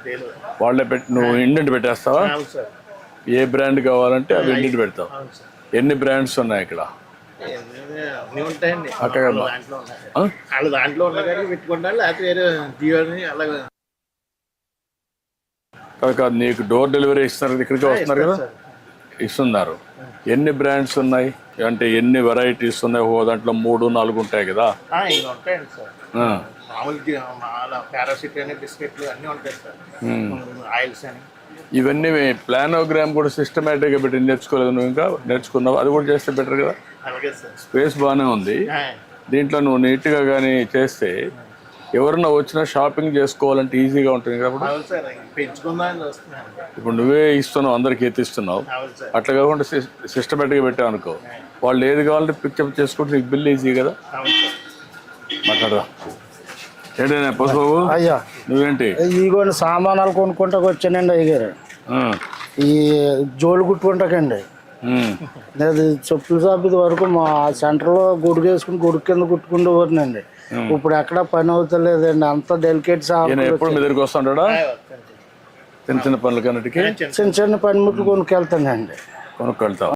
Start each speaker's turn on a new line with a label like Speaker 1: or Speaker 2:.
Speaker 1: వాళ్ళే పెట్టి నువ్వు ఇండెంట్ పెట్టేస్తావా? ఏ బ్రాండ్ కావాలంటే అవి ఇండెంట్ పెడతావు. ఎన్ని బ్రాండ్స్ ఉన్నాయి ఇక్కడ? అక్కడ కాదు, నీకు డోర్ డెలివరీ ఇస్తున్నారు, ఇక్కడికి వస్తున్నారు కదా, ఇస్తున్నారు. ఎన్ని బ్రాండ్స్ ఉన్నాయి అంటే ఎన్ని వెరైటీస్ ఉన్నాయి? ఓ దాంట్లో 3-4 ఉంటాయి కదా. ఇవన్నీ ప్లానోగ్రామ్ కూడా సిస్టమేటిక్గా పెట్టి నేర్చుకోలేదు నువ్వు? ఇంకా నేర్చుకున్నావు, అది కూడా చేస్తే బెటర్ కదా. స్పేస్ బాగానే ఉంది దీంట్లో. నువ్వు నీట్గా కానీ చేస్తే ఎవరన్నా వచ్చినా షాపింగ్ చేసుకోవాలంటే ఈజీగా ఉంటుంది కాబట్టి. ఇప్పుడు నువ్వే ఇస్తున్నావు, అందరికి ఎత్తిస్తున్నావు. అట్లా కాకుండా సిస్టమేటిక్గా పెట్టావు అనుకో, వాళ్ళు ఏది కావాలంటే పిక్చప్ చేసుకుంటే నీకు బిల్ ఈజీ కదా. మాట్లాడదా ఏంటైనా పసుబాబు?
Speaker 2: అయ్యా
Speaker 1: నువ్వేంటి?
Speaker 2: ఇదిగోండి సామానాలు కొనుక్కుంటా వచ్చానండి అయ్యారు. ఈ జోలు కుట్టుకుంటాకండి. అది చెప్పుల షాప్ ఇది వరకు మా సెంటర్లో గొడుగు వేసుకుని గొడుగు కింద కుట్టుకుంటూ పోతున్నాండి. ఇప్పుడు ఎక్కడ పని అవుతలేదండి, అంత డెలికేట్ షాప్.
Speaker 1: ఎప్పుడు మీ దగ్గరికి వస్తుంటాడా? చిన్న చిన్న పనులు కన్నిటికి
Speaker 2: చిన్న చిన్న పనిముట్లు కొనుక్కెళ్తానండి.
Speaker 1: కొనుక్కెళ్తావు.